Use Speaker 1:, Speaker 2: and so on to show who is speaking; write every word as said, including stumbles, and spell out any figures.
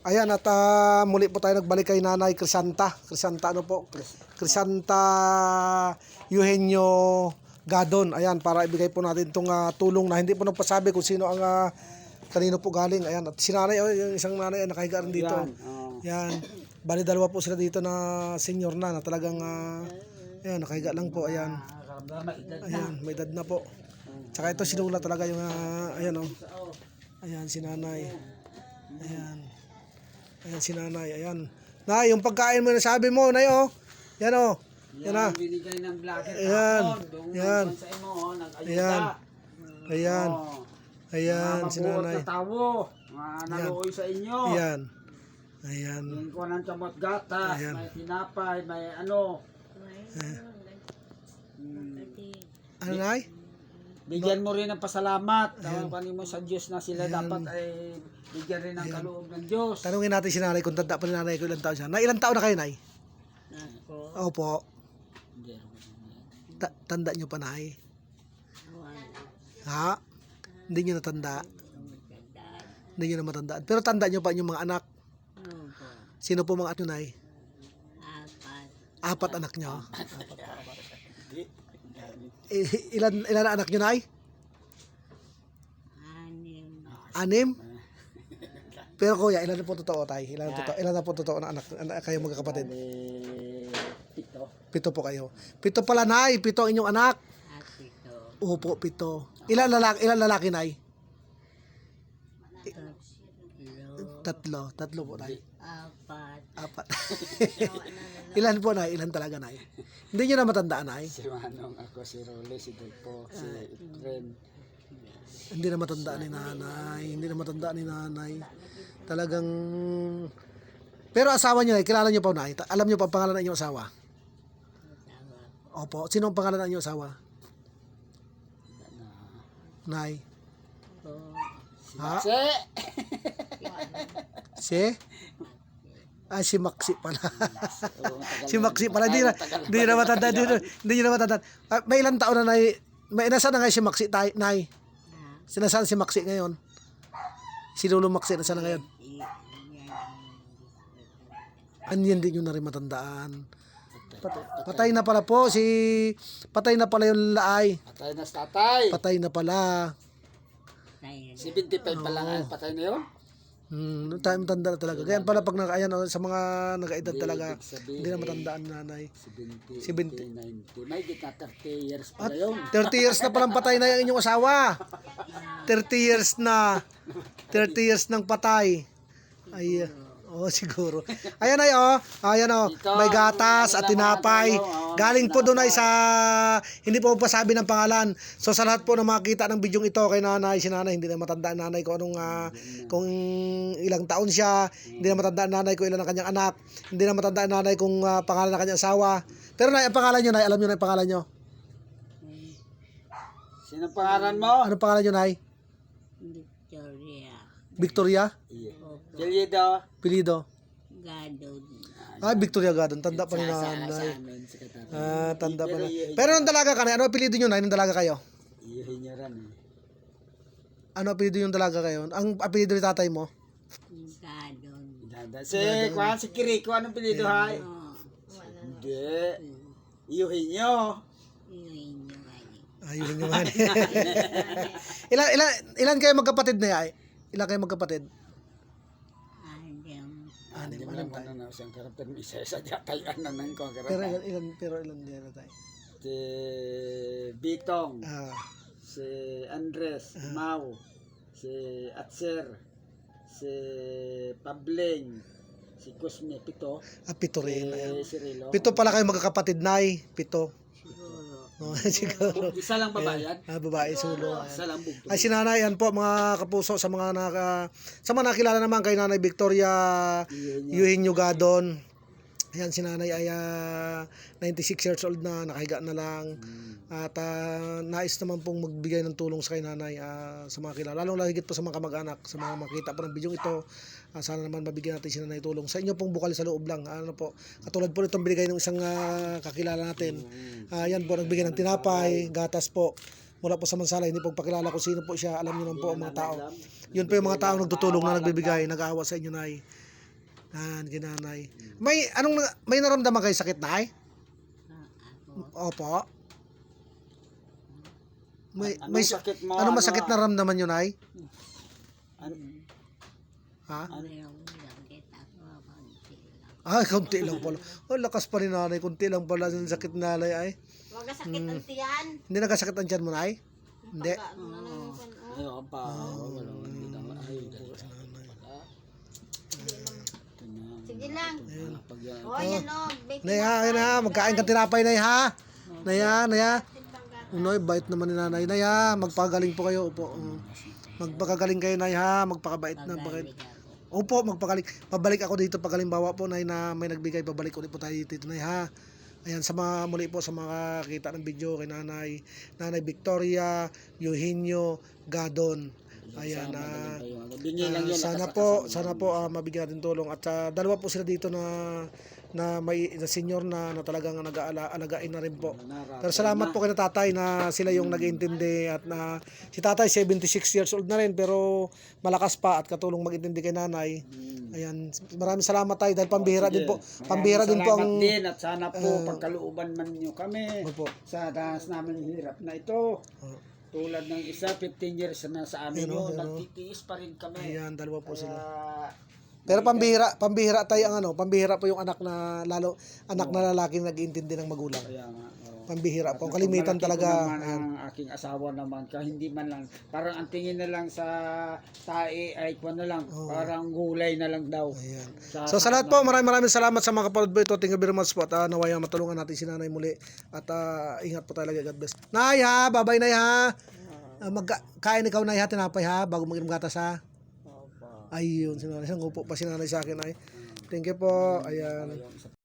Speaker 1: Ayan at ah, muli po tayo nagbalik kay Nanay Crisanta. Crisanta ano po? Crisanta Eugenio Gadon. Ayan, para ibigay po natin itong ah, tulong na hindi po nagpasabi kung sino ang ah, kanino po galing. Ayan, at si nanay, oh, yung isang nanay ay nakahiga rin dito.
Speaker 2: Yan, oh.
Speaker 1: Yan. Bali dalawa po sila dito na senior na, na talagang ah, ayan, nakahiga lang po. Ayan. Ayan, may edad na po. Tsaka ito sinula talaga yung ah, ayan oh. Ayan si nanay. Ayan. Ayan si nanay, ayan. Nay, yung pagkain mo na sabi mo, nay oh. Yan oh. Yan ah.
Speaker 2: Binigay ng vlogger.
Speaker 1: Ayan.
Speaker 2: Yan.
Speaker 1: Ayan. Ayan. Ayan si nanay.
Speaker 2: Mga tawo, mga naluoy sa inyo.
Speaker 1: Ayan. Ayan.
Speaker 2: Yung ko ng chamot gatas,
Speaker 1: Ayan.
Speaker 2: may tinapay, may ano.
Speaker 1: Ano nay?
Speaker 2: Bigyan mo rin ng pasalamat.
Speaker 1: Ayan.
Speaker 2: Tawag mo sa Diyos na sila
Speaker 1: Ayan.
Speaker 2: dapat ay bigyan rin ng kaloob ng Diyos.
Speaker 1: Tanungin natin si nanay kung tanda pa ni nanay ko ilang taon siya. Na ilang taon na kayo, nay? Opo. Ta- tanda nyo pa, nay? Ha? Hindi nyo natanda? Hindi nyo na matandaan. Pero tanda nyo pa yung mga anak? Sino po mga anak nyo, nay?
Speaker 3: Apat.
Speaker 1: Apat anak nyo? I- ilan, ilan na anak nyo, nay?
Speaker 3: Anim.
Speaker 1: Anim? Pero kuya, ilan na po totoo, tay? Ilan na, totoo, ilan na po totoo na anak, anak kayo magkakapatid?
Speaker 2: Pito.
Speaker 1: Pito po kayo. Pito pala, nay. Pito ang inyong anak.
Speaker 3: At ito.
Speaker 1: Opo, pito. Ilan lalaki, ilan lalaki, nay?
Speaker 3: Tatlo.
Speaker 1: Tatlo. Tatlo po, nay.
Speaker 3: Apat.
Speaker 1: Apat. Ilan po, nay? Ilan talaga, nay? Hindi nyo na matandaan, nay?
Speaker 2: Si Manong, ako, si Role, si Delpo, si Efren.
Speaker 1: Hindi na matandaan ni nanay. Hindi na matandaan ni nanay. Talagang... Pero asawa nyo, nay, kilala nyo pa, nay? Ta- Alam nyo pa ang pangalan ng inyong asawa? Opo. Sino ang pangalan ng inyong asawa? Nay? Ha?
Speaker 2: Si!
Speaker 1: Si? Ah, si Maxi pala. Si Maxi pala. Hindi na, hindi na matanda. Hindi na, hindi na matanda. Ah, may ilang taon na, nay? May nasaan na ngayon si Maxi, tay, nay? Sinasaan si Maxi ngayon? Si Lolo Maxi, nasaan na ngayon? Anyan din yun na rin matandaan. Pat- patay na pala po. Si... Patay na pala yung laay.
Speaker 2: Patay na sa tatay.
Speaker 1: Patay na pala.
Speaker 2: seventy-five pa lang ang patay na yun.
Speaker 1: Hmm, noong time tanda na talaga. Kaya pala pag naka, ayan, oh, sa mga nakaedad talaga,
Speaker 2: ibig sabihin,
Speaker 1: hindi na matandaan nanay.
Speaker 2: seventy,
Speaker 1: seventy.
Speaker 2: ninety. May gitna thirty years pa
Speaker 1: At
Speaker 2: na yun.
Speaker 1: thirty years na palang patay na yung inyong asawa. thirty years na. thirty years nang patay. Ay, oh, siguro. Ayan ay, oh. Ayan, oh. May gatas at tinapay. Galing po doon ay sa, hindi po pasabi ng pangalan. So sa lahat po na makita ng bidyong ito kay nanay, si nanay, hindi na matandaan nanay kung anong, ah, kung ilang taon siya. Hindi na matandaan nanay kung ilan ang kanyang anak. Hindi na matandaan nanay kung ah, pangalan ng kanyang asawa. Pero nay, ang pangalan nyo, nay, alam nyo na yung pangalan nyo?
Speaker 2: Sino pangalan mo?
Speaker 1: Anong pangalan nyo, nay?
Speaker 3: Victoria.
Speaker 1: Victoria?
Speaker 2: Jelido.
Speaker 1: Pilido?
Speaker 3: Gadon.
Speaker 1: Ah, Victoria Gadon. Tanda pa ni
Speaker 2: Sa
Speaker 1: nanay.
Speaker 2: amin, sa katapang.
Speaker 1: Ah, tanda pa na. Pero nung dalaga ka na, ano apelido nyo na? Nung dalaga kayo?
Speaker 2: Iyahin niya rin eh.
Speaker 1: Ano apelido yung dalaga kayo? Ang apelido ni tatay mo?
Speaker 3: Gadon.
Speaker 2: Dada. Si, kuhan, si Kiriko, anong pilido hay?
Speaker 3: Oh,
Speaker 2: Hindi. Iyahin niyo.
Speaker 3: yun yung ano.
Speaker 1: Ayun yung man. ilan, ilan, ilan kayo magkapatid na yay? Ilan kayo magkapatid?
Speaker 3: Adam.
Speaker 1: Ah,
Speaker 2: Hindi
Speaker 1: di
Speaker 2: mo
Speaker 1: ba
Speaker 2: lang
Speaker 1: tayo?
Speaker 2: ano na siyang karapter. Isa-isa jatayan na nang ko
Speaker 1: Pero
Speaker 2: karapter.
Speaker 1: ilan, ilan, pero ilan din na tayo?
Speaker 2: Si Bitong.
Speaker 1: Ah,
Speaker 2: Si Andres. Mau. Si Atser. Si Pabling. Si Cosme. Pito.
Speaker 1: ah pito rin. Ayan.
Speaker 2: Si Cirilo.
Speaker 1: Pito pala kayo magkakapatid, nay. Pito.
Speaker 3: Siguro.
Speaker 1: Oh, siguro.
Speaker 2: Isa lang babayan.
Speaker 1: Ah, babae, sulo. Ayan.
Speaker 2: Isa lang bugto.
Speaker 1: Ay si nanay, yan po mga kapuso sa mga naka, sa mga nakilala naman kay nanay Victoria Eugenio Gadon. Ayan si nanay ay ah, ninety-six years old na, nakahiga na lang. At ah, nais naman pong magbigay ng tulong sa kay nanay ah, sa mga kilala. Lalong lahigit po sa mga kamag-anak, sa mga makita po ng bidyong ito. Ah, sana naman mabigyan natin si nanay tulong. Sa inyo pong bukal sa loob lang. Ano po, katulad po nitong binigay ng isang ah, kakilala natin. Ah, yan po, nagbigay ng tinapay, gatas po. Mula po sa Mansala, hindi po pakilala kung sino po siya. Alam niyo naman po ang mga tao. Yun po yung mga taong nagtutulong na nagbibigay, nag-aawa sa inyo, nay. Yan, kinanay. May, anong, na- may naramdaman kayo sakit, Nay?
Speaker 3: Ah, ako.
Speaker 1: Opo. May,
Speaker 2: Anong
Speaker 1: may,
Speaker 2: sakit mo?
Speaker 1: ano
Speaker 2: Ano-
Speaker 1: masakit na ramdaman nyo, Nay?
Speaker 2: An-
Speaker 1: Ha?
Speaker 3: Mayroong sakit ako. Konti lang.
Speaker 1: Ah, konti lang pala. Oh, lakas pa ni nanay. Konti lang pala yung sakit na nanay ay.
Speaker 4: Huwag sakit ang tiyan.
Speaker 1: Hindi nagkasakit ang tiyan mo, Nay? Hindi.
Speaker 4: Ano na yung pan- oh.
Speaker 2: Ayun pa. Wala. Hindi na. Ayun. Ito na.
Speaker 4: Sige lang.
Speaker 2: Ah, pag yan.
Speaker 4: Oh, yan o. Bake
Speaker 1: Nay ha, ayun ha. Magkain ka tinapay, Nay ha. Nay ha, Nay ha. Unoy, bait naman ni nanay. Nay ha, magpagaling po kayo. Opo. Uh, magpakagaling kayo, Nay ha. Magpakabait na. Bakit?
Speaker 3: Pagaling ako.
Speaker 1: Opo, magpagaling. Pabalik ako dito pag halimbawa po, Nay, na may nagbigay. Pabalik ulit po tayo dito, Nay ha. Ayan, sa mga muli po sa mga kita ng video kay Nanay, Nanay Victoria, Eugenio Gadon. Ayan, ah,
Speaker 2: Bingi lang
Speaker 1: Ah,
Speaker 2: yun.
Speaker 1: sana
Speaker 2: nakasakasama
Speaker 1: po,
Speaker 2: lang.
Speaker 1: sana po ah, mabigyan natin tulong at ah, dalawa po sila dito na na may na senior na, na talagang nag-aalagain na rin po. Pero salamat po kay na tatay na sila yung nag-iintindi at na si tatay seventy-six years old na rin pero malakas pa at katulong mag-intindi kay nanay. Ayan, maraming salamat tayo dahil pambihira din po. Pambihira din po ang
Speaker 2: Salamat din at sana po pagkalooban man nyo kami
Speaker 1: Opo.
Speaker 2: sa danas namin hirap na ito.
Speaker 1: Oh.
Speaker 2: Tulad ng isa, fifteen years na sa amin
Speaker 1: Ayun,
Speaker 2: yun.
Speaker 1: ayun,
Speaker 2: Nagtitiis pa rin kami.
Speaker 1: Ayan, dalawa po sila.
Speaker 2: Kaya,
Speaker 1: Pero pambihira, pambihira tayo ang ano, pambihira po yung anak na lalo anak na lalaki nag-iintindi ng magulang.
Speaker 2: kaya nga. oo.
Speaker 1: Pambihira po. Ang
Speaker 2: At
Speaker 1: kalimitan
Speaker 2: malaki ko
Speaker 1: talaga.
Speaker 2: naman
Speaker 1: Ayan.
Speaker 2: ang aking asawa naman ka hindi man lang parang ang tingin na lang sa tae ay kwan na lang parang gulay na lang daw.
Speaker 1: Ayan.
Speaker 2: Sa-
Speaker 1: So sa lahat po, maraming maraming salamat sa mga kapatid po ito. Thank you very much po. At uh, nawaya matulungan natin si Nanay muli. At ah, ingat po talaga. God bless. Nay ha, babay Nay ha. Uh, magkain ikaw Nay ha, tinapay ha, bago mag-inom gatas ha. Ayun, si Nanay. Nangupo pa si Nanay sa akin ay. Thank you po. Ayan.